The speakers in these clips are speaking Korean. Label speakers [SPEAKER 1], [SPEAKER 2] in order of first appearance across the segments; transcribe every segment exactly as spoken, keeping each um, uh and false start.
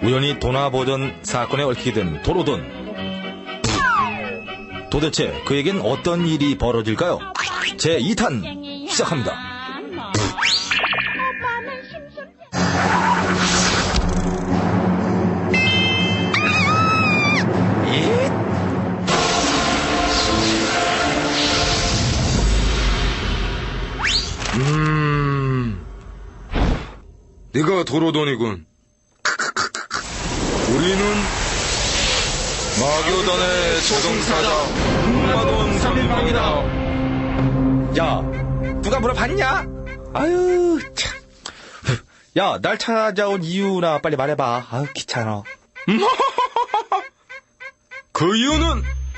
[SPEAKER 1] 우연히 도나보전 사건에 얽히게 된 도로돈. 도대체 그에겐 어떤 일이 벌어질까요? 제이 탄 시작합니다.
[SPEAKER 2] 음, 네가 도로돈이군. 우리는 마교단의 초승사자 흑마돈 삼인방이다.
[SPEAKER 1] 야, 누가 물어봤냐? 아유, 참. 야, 날 찾아온 이유나 빨리 말해봐. 아유, 귀찮아.
[SPEAKER 2] 그 이유는?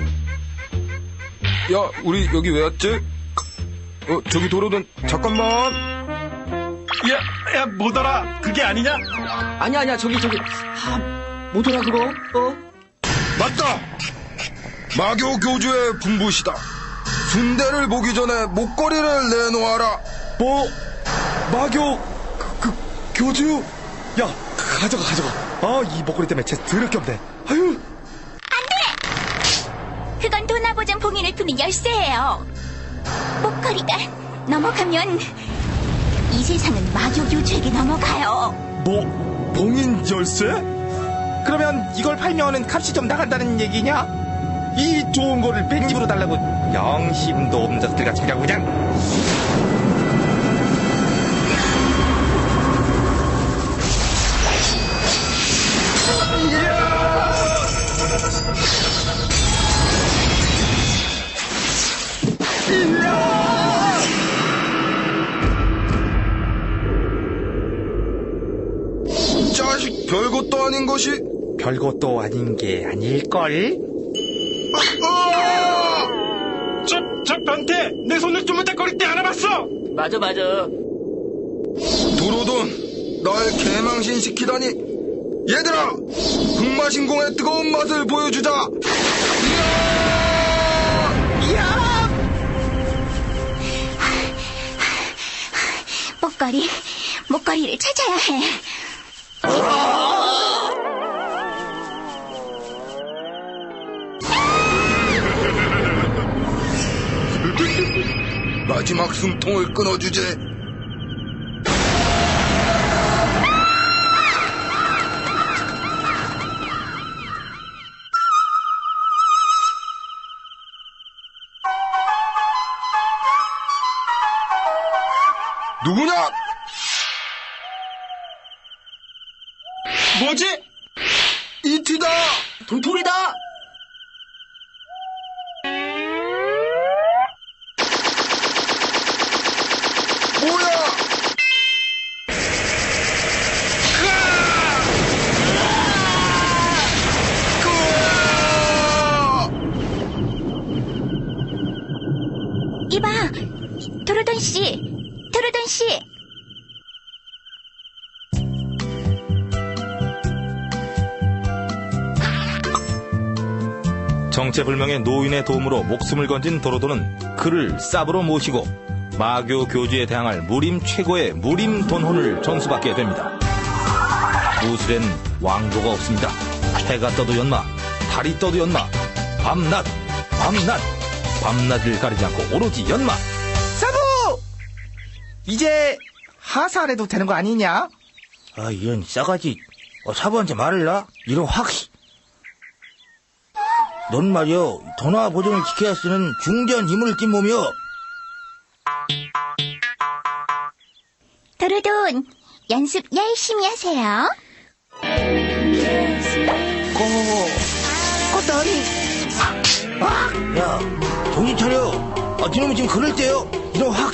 [SPEAKER 2] 야, 우리 여기 왜 왔지? 어, 저기 도로돈, 잠깐만.
[SPEAKER 3] 야, 야, 못 알아. 그게 아니냐?
[SPEAKER 4] 아니야, 아니야, 저기, 저기. 아, 뭐더라, 그거? 어?
[SPEAKER 2] 맞다! 마교 교주의 분부시다. 순대를 보기 전에 목걸이를 내놓아라.
[SPEAKER 1] 뭐? 마교, 그, 그, 교주? 야, 가져가, 가져가. 아, 이 목걸이 때문에 쟤 더럽게 없네. 아유.
[SPEAKER 5] 그건 도나보전 봉인을 푸는 열쇠예요. 목걸이가 넘어가면 이 세상은 마교 교주에게 넘어가요.
[SPEAKER 1] 뭐, 봉인 열쇠? 그러면 이걸 팔면은 값이 좀 나간다는 얘기냐? 이 좋은 거를 백립으로 달라고 양심도 없는 자들 같이 그냥 그냥.
[SPEAKER 2] 이 자식 별것도 아닌 것이.
[SPEAKER 1] 별것도 아닌 게 아닐걸?
[SPEAKER 2] 아!
[SPEAKER 3] 저, 저 변태! 내 손을 쪼물딱거릴 때 알아봤어!
[SPEAKER 4] 맞아, 맞아.
[SPEAKER 2] 도로돈, 날 개망신 시키다니. 얘들아, 흑마신공의 뜨거운 맛을 보여주자.
[SPEAKER 1] 야!
[SPEAKER 5] 목걸이, 목걸이를 찾아야 해.
[SPEAKER 2] 마지막 숨통을 끊어주지. 누구냐?
[SPEAKER 3] 뭐지?
[SPEAKER 2] 이티다.
[SPEAKER 4] 돌돌이다!
[SPEAKER 2] 뭐야?
[SPEAKER 5] 이봐, 도로돈 씨, 도로돈 씨.
[SPEAKER 1] 정체불명의 노인의 도움으로 목숨을 건진 도로도는 그를 쌉으로 모시고 마교 교주에 대항할 무림 최고의 무림 돈혼을 전수받게 됩니다. 무술엔 왕도가 없습니다. 해가 떠도 연마, 달이 떠도 연마, 밤낮, 밤낮, 밤낮을 가리지 않고 오로지 연마. 사부! 이제 하사 안 해도 되는 거 아니냐?
[SPEAKER 6] 아, 이런 싸가지. 어, 사부한테 말을라? 이런 확. 넌 말이여, 도나 보존을 지켜야 쓰는 중전 힘을 띤 몸이여.
[SPEAKER 5] 도로돈, 연습 열심히 하세요.
[SPEAKER 6] 고고고. 꽃다리. 야, 정신 차려. 아, 니놈이 지금 그럴 때요. 이런 확.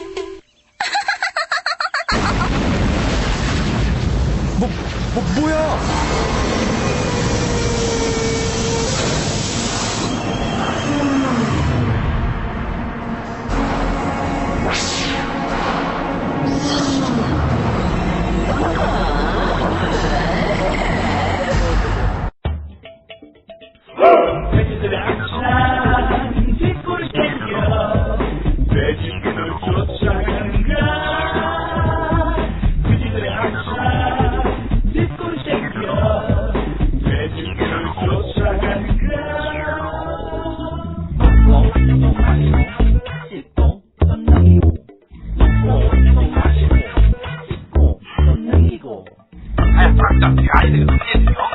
[SPEAKER 1] 뭐, 뭐, 뭐야?
[SPEAKER 7] 뒷골 땡겨 아이들이 많이 했어요.